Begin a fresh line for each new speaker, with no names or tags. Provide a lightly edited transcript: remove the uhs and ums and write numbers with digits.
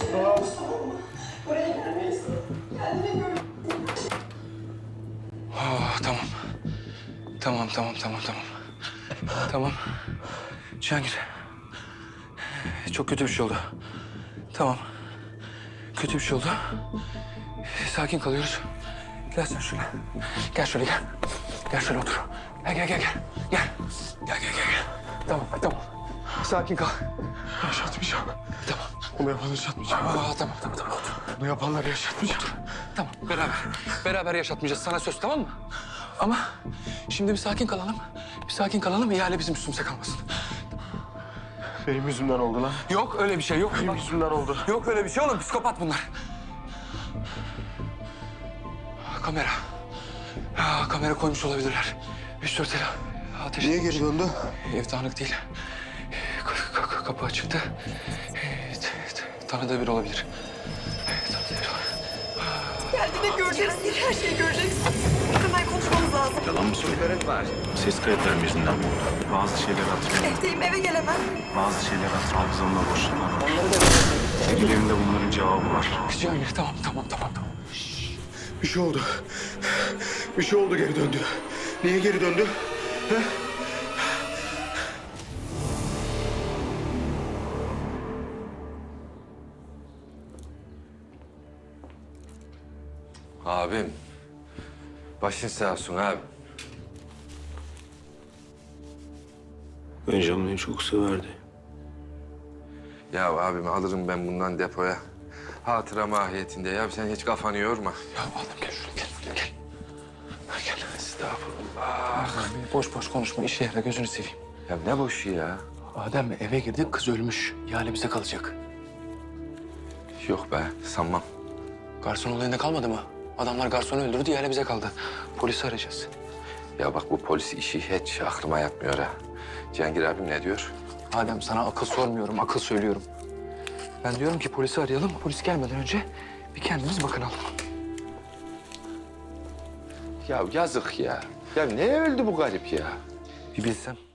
Buraya gelmeyiz. Kendine gör.
Oh, tamam. Tamam. Tamam. Cihangir. Çok kötü bir şey oldu. Tamam. Kötü bir şey oldu. Sakin kalıyoruz. Gel sen şöyle. Gel şöyle gel. Gel şöyle otur. Gel. Tamam. Sakin kal.
Yaşatmayacağım.
Tamam.
Bunu yapanı yaşatmayacağım.
Tamam. Otur.
Bunu yapanları yaşatmayacağım.
Tamam. Beraber yaşatmayacağız. Sana söz, tamam mı? Ama şimdi bir sakin kalalım. İhale bizim üstümüze kalmasın.
Benim yüzümden oldu lan.
Yok öyle bir şey yok.
Benim yüzümden oldu.
Yok öyle bir şey oğlum. Psikopat bunlar. Kamera. Kamera koymuş olabilirler. 3-4 el ateş.
Niye geri döndü?
Ev dağınık değil. Kapı açıktı. Tanıdığı biri olabilir.
Geldiğinde göreceksin. Her şeyi göreceksin. Hemen konuşmamız lazım.
Yalan mı söylüyorsun? Ses kayıtlarım yüzünden mi oldu? Bazı şeyler hatırlıyorum.
Evdeyim, eve gelemem.
Bazı şeyler hafızamda boşluklar var. Birilerinde bunların cevabı var.
Cihangir tamam.
Bir şey oldu. Bir şey oldu, geri döndü. Niye geri döndü? He?
Abim, başın sağ olsun abi.
Öncan beni çok severdi.
Ya abim alırım ben bundan depoya. Hatıra mahiyetinde ya sen hiç kafanı yorma.
Ya adam gel şuraya gel. Gel.
Estağfurullah.
Boş konuşma. İşe yara gözünü seveyim.
Ya ne boşu ya?
Adem eve girdik, kız ölmüş. İhale bize kalacak.
Yok be sanmam.
Garson olayında kalmadı mı? Adamlar garsonu öldürdü, ihale bize kaldı. Polisi arayacağız.
Ya bak bu polis işi hiç aklıma yatmıyor ha. Cihangir abim ne diyor?
Adem sana akıl sormuyorum, akıl söylüyorum. Ben diyorum ki polisi arayalım. Polis gelmeden önce bir kendimiz bakınalım.
Ya yazık ya. Ya ne öldü bu garip ya?
Bir bilsem.